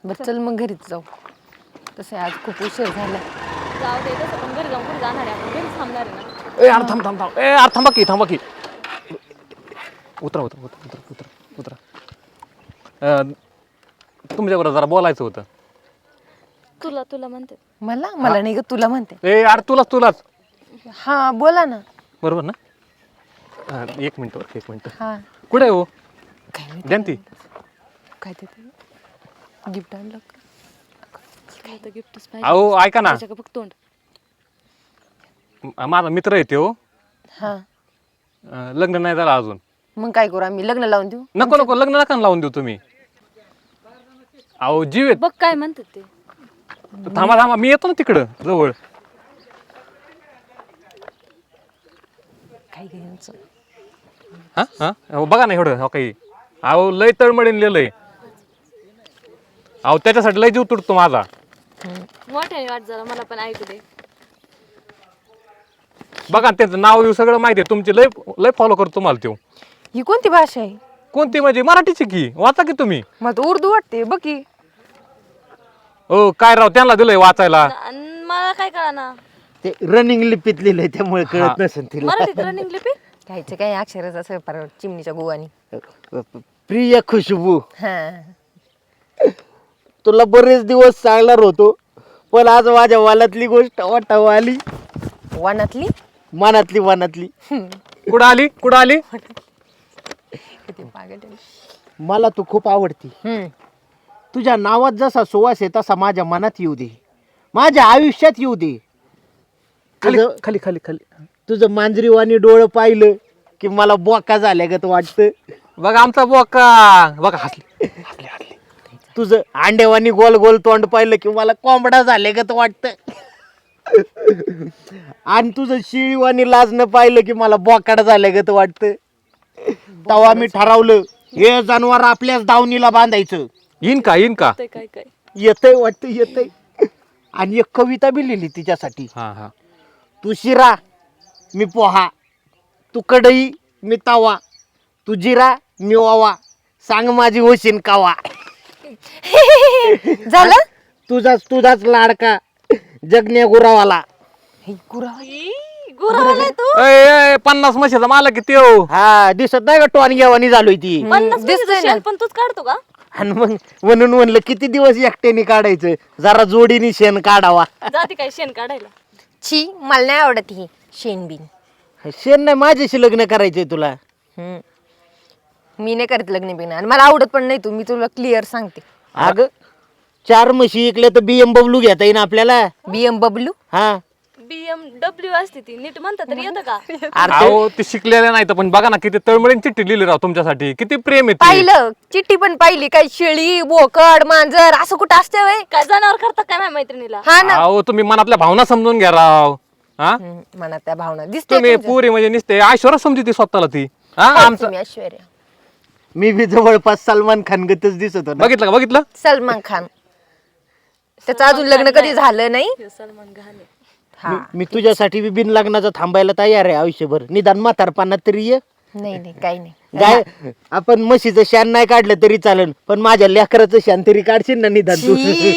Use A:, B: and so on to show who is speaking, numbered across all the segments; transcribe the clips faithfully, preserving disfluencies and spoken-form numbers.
A: बरं चल मग घरीच जाऊ. तसं आज खूप उशीर झाला.
B: जाऊ दे तसं पण घरी जाऊन कुठे जाणार आहे आपण घरीच थांबणार आहे ना.
C: ए यार थांब थांब थांब ए यार थांबा की थांबा की उतरा उतरा उतरा उतरा उतरा उतरा तुमच्याबरोबर जरा बोलायचं होतं.
B: तुला तुला म्हणते
A: मला मला नाही ग तुला म्हणते.
C: ए यार तुलाच तुलाच
A: हा बोला ना.
C: बरोबर ना. हा, एक मिनिट बरं, एक मिनिट
A: हा
C: कुठे आहे हो
A: काय नाही
C: जयंती
A: काय देते गिफ्ट आणलं का?
B: काय तर गिफ्टच
C: अहो ऐका ना
B: पाहिजे फक्त तोंड.
C: म- माझा मित्र येते हो
A: हा
C: अं, लग्न नाही झालं अजून.
A: मग काय करू आम्ही लग्न लावून देऊ.
C: नको नको लग्न नका लावून देऊ तुम्ही. अहो जीव आहेत.
B: बघ काय म्हणतात ते.
C: थांबा थांबा मी येतो ना तिकडं जवळ.
A: काय घ्यायचं
C: हा हा अहो, बघा ना एवढं हो काही अहो लय तळमळीन लिहिलंय. अहो त्याच्यासाठी लय जीव तुटतो माझा.
B: मोठ्याने वाट जरा मला पण ऐकू दे.
C: बघा ना, त्यांचं नाव येऊ सगळं माहिती आहे तुमची लय लय फॉलो करतो तुम्हाला तो.
A: ही कोणती भाषा आहे.
C: कोणती म्हणजे मराठीची की वाचा की तुम्ही.
A: मला तर उर्दू वाटते बघ की.
C: हो काय राव त्यांना दिलंय वाचायला.
B: अन मला काय कळना
D: ते रनिंग लिपीत लिहिलंय त्यामुळे कळत नसेल तिला.
B: मराठीत रनिंग लिपी.
A: घ्यायचं काय अक्षरच असं पार चिमणीच्या गोवानी.
D: प्रिय खुशबू
A: हा
D: तुला बरेच दिवस सांगणार होतो पण आज माझ्या वालातली गोष्ट वाटावं आली.
A: वानातली
D: मनातली मनातली
C: कुठं आली कुठं आली.
A: किती पागल आहे.
D: मला तू खूप आवडती.
A: हम्म
D: तुझ्या नावात जसा सुवास आहे तसा माझ्या मनात येऊ दे, माझ्या आयुष्यात येऊ दे.
C: खाली
D: तुझं
C: खाली खाली खाली
D: तुझं मांजरीवाणी डोळं पाहिलं की मला बोका झाल्यागत वाटतं.
C: बघा आमचा बोका बघा हसली हसली हसली.
D: तुझं अंडेवानी गोल गोल तोंड पाहिलं की मला कोंबडा झाल्यागत वाटतं. आणि तुझं शिळीवानी लाजणं पाहिलं की मला बोकाड झाल्यागत वाटतं. तेव्हा मी ठरवलं हे जनावर आपल्याच दावणीला बांधायचं.
C: येईन का येईन का.
B: ते काय काय
D: येतंय वाटतं येतंय. आणि एक कविता बी लिहिली तिच्यासाठी.
C: हा हा
D: तू शिरा मी पोहा, तू कढई मी तवा, तू जिरा मी ओवा, सांग माझी होशीन कावा.
A: झालं.
D: तुझाच तुझाच लाडका जगण्या गुरावाला.
A: हे गुरा
B: गुरावाला तू.
C: ए, ए, पन्नास म्हशीचा मालक किती हो.
D: हा दिसत नाही का टॉन घेवानी झालोय ती.
B: पन्नास
A: दिसतंय
B: दिसतोय
A: ना.
B: पण तूच काढतो का.
D: आणि मग म्हणून म्हणलं किती दिवस एकट्याने काढायचं, जरा जोडीने शेण काढावा.
B: जाते काय शेण काढायला.
A: छी मला नाही आवडत ही शेणबिन.
D: शेण नाही माझ्याशी लग्न करायचंय तुला.
A: हम्म मी नाही करत लग्न बिग्न आणि मला आवडत पण नाही. तू मी तुला क्लिअर सांगते.
D: अगं चार म्हशी इकल्या तर बीएम बबलू घेता येईन आपल्याला.
A: बीएम बबलू
D: हा
B: बीएमडब्ल्यू असते ती नीट म्हणता तरी येतं का.
D: अरे
C: अहो ते शिकलेले नाही तर पण बघा ना किती तळमळीन चिठ्ठी लिहिली राव तुमच्यासाठी. किती प्रेम आहे ते.
A: पाहिलं चिठ्ठी पण पाहिली. काय शेळी बोकड मांजर असं कुठं असते वय.
B: काय जनावर करतात काय माझ्या मैत्रिणीला.
A: हा ना.
C: अहो तुम्ही मनातल्या भावना समजून घ्या राव. हा
A: हम्म, मनात त्या भावना दिसते
C: तुम्ही पुरी म्हणजे निसते ऐश्वर्या समजी ती स्वतःला ती. हा आमचं
A: ऐश्वर्या.
D: मी बी जवळपास सलमान खान गतच दिसत होता.
C: बघितलं का बघितलं.
A: सलमान खान. त्याचं अजून लग्न कधी झालं नाही.
B: ह्यो सलमान घाणे.
A: हा
D: मी- मी तुझ्यासाठी बी बिन लग्नाचं थांबायला तयार आहे आयुष्यभर. निदान म्हातारपणात तरी ये.
A: नाही नाही काही नाही.
D: गाय आपण म्हशीचं शान नाही काढलं तरी चालेल पण माझ्या लेकराचं शान तरी काढशील ना निदान तू.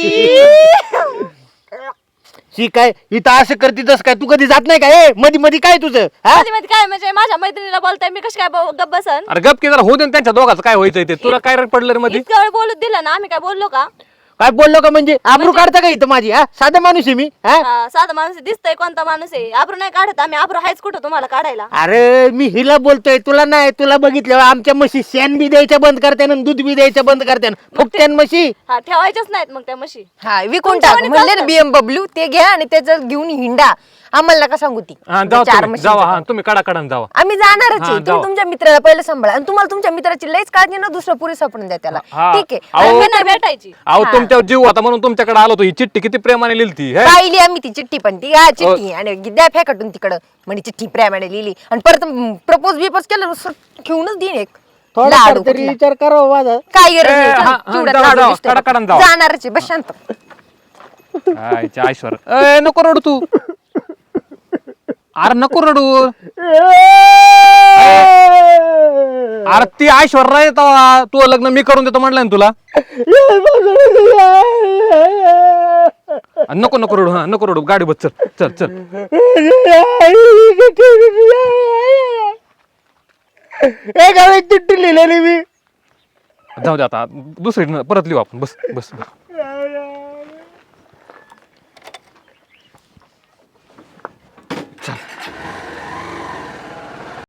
D: शी काय इथं असं करते तसं काय तू कधी जात नाही का. ए मधी मधी काय तुझं हा.
B: मध्ये मध्ये काय म्हणजे माझ्या मैत्रिणीला बोलताय मी कशी काय ब- गप्प बसन.
C: अरे गप की जरा होऊ दे ना त्यांच्या दोघांचं काय व्हायचंय ते. तुला काय रड पडलं रे मध्ये.
B: इतक्या वेळ बोलत दिलं ना आम्ही काय बोललो का.
D: काय बोललो का म्हणजे आबरू काढता का इथं माझी. हा साधा माणूस आहे मी. हा
B: हा, साधा माणूस दिसतंय कोणता माणूस आहे. आब्रू नाही काढत आम्ही. आब्रू हायच कुठं तुम्हाला काढायला.
D: अरे मी हिला बोलतोय तुला नाही. तुला बघितलं आमच्या म्हशी शेण बी द्यायच्या बंद करते ना दूध बी द्यायच्या बंद करते फुकट्यान म्हशी.
B: हा ठेवायच्याच नाहीत मग त्या म्हशी.
A: हा विकून
B: तुमच्या
A: टाक
B: वाणी
A: म्हणले ना
B: चालतं.
A: बीएम बबलू ते घ्या आणि त्याचं घेऊन हिंडा. आम्हाला नका सांगू ती
C: हा जावा
A: चार
C: तुम्ही,
A: म्हशी
C: जावा हा तुम्ही कडा कडा जावा.
A: आम्ही जाणारच
C: हा,
A: आहे.
C: जाऊ.
A: तुम्ही तुमच्या मित्राला पहिलं सांभाळा आणि तुम्हाला तुमच्या मित्राची लईच काळजी ना दुसरं पुरी सापडून द्या त्याला.
C: हा.
A: ठीक आहे.
C: अहो,
A: आणि
B: मी नाही भेटायची.
C: अहो तुमच्यावर जीव होता म्हणून तुमच्याकडे आलो होतो. ही चिठ्ठी किती प्रेमाने लिहिली हे.
A: पाहिली आम्ही ती चिठ्ठी पण ती हा चिठ्ठी आणि द्या फेकटून तिकडं म्हणजे चिठ्ठी प्रेमाने लिहिली आणि परत प्रपोज बिपोज केलं नुसतं घेऊनच देईन एक
D: थोडा
A: लाडू
D: तरी
A: कुठला.
D: विचार करावा माझा.
A: काय गरज
C: ए,
A: नाही.
C: हा,
A: चल,
C: हा,
A: चिवड्यात
C: जाऊ,
A: लाडू
C: जाऊ,
A: दिसतोय.
C: कडा-कडा जाऊ.
A: जाणारच आहे बस शांत.
C: आयच्या ऐश्वर्या. ए नको रडू तू. अरे नको रडू. अरे ती ऐश्वर्या आहे तेव्हा तू लग्न मी करून देतो म्हटलं ना तुला. नको नको रडू हा नको रडू गाडी बस चल चल चल
D: ए गावात चिठ्ठी लिहिलेली मी
C: जाऊ दे आता दुसरी परत लिहू आपण बस बस